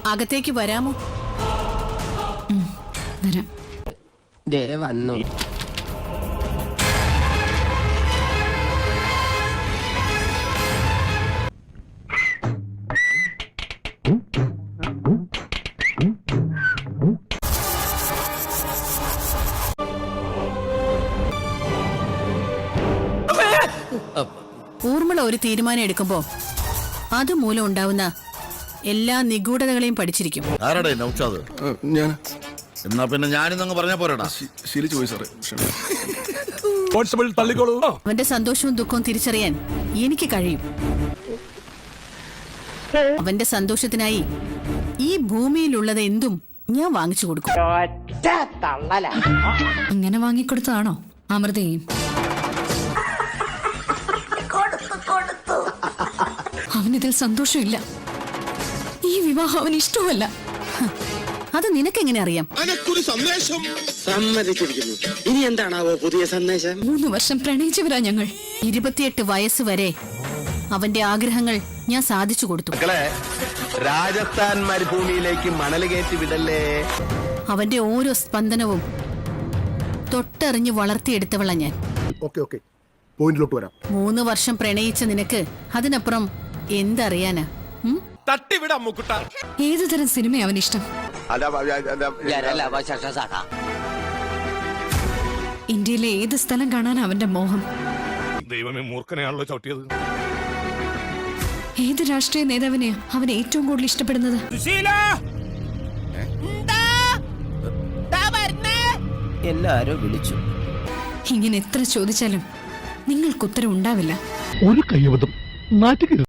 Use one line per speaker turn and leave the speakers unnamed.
അകത്തേക്ക് വരാമോ?
വരാം.
വന്നു.
ഊർമിള ഒരു തീരുമാനം എടുക്കുമ്പോ അതുമൂലം ഉണ്ടാവുന്ന എല്ലാ നിഗൂഢതകളെയും പഠിച്ചിരിക്കും.
ആരാടേ നൗഷാദ്? എന്നാ പിന്നെ ഞാനിന്നങ്ങ് പറഞ്ഞ പോരാടാ.
അവന്റെ സന്തോഷവും ദുഃഖവും തിരിച്ചറിയാൻ എനിക്ക് കഴിയും. അവന്റെ സന്തോഷത്തിനായി ഈ ഭൂമിയിലുള്ളത് എന്തും ഞാൻ വാങ്ങിച്ചു കൊടുക്കും.
ഇങ്ങനെ വാങ്ങിക്കൊടുത്തതാണോ അമൃതയും? അവനിതിൽ സന്തോഷമില്ല. ഈ വിവാഹം അവന് ഇഷ്ടമല്ല.
അത് നിനക്കെങ്ങനെ അറിയാം?
സമ്മതിച്ചിരിക്കുന്നു. ഇനി എന്താണാവോ പുതിയ സന്ദേശം?
3 വർഷം പ്രണയിച്ചവരാ ഞങ്ങൾ.
28 വയസ്സ് വരെ അവന്റെ ആഗ്രഹങ്ങൾ ഞാൻ സാധിച്ചു കൊടുത്തു.
രാജസ്ഥാൻ മരുഭൂമിയിലേക്ക് മണൽ കയറ്റി വിടല്ലേ.
അവന്റെ ഓരോ സ്പന്ദനവും തൊട്ടറിഞ്ഞു വളർത്തിയെടുത്തവളാ ഞാൻ. 3 വർഷം പ്രണയിച്ച നിനക്ക് അതിനപ്പുറം എന്തറിയാനാ?
ഏതു തരം സിനിമ അവനിഷ്ടം? ഇന്ത്യയിലെ ഏത് സ്ഥലം കാണാൻ അവന്റെ മോഹം?
ദൈവമേ, മൂർഖനെയാണല്ലോ ചവിട്ടിയത്.
ഏത് രാഷ്ട്രീയ നേതാവിനെയാ അവൻ ഏറ്റവും കൂടുതൽ ഇഷ്ടപ്പെടുന്നത്?
എല്ലാരും വിളിച്ചു.
ഇങ്ങനെ എത്ര ചോദിച്ചാലും നിങ്ങൾക്ക് ഉത്തരം ഉണ്ടാവില്ല.
ഒരു കൈവതം നാറ്റുകരുത്.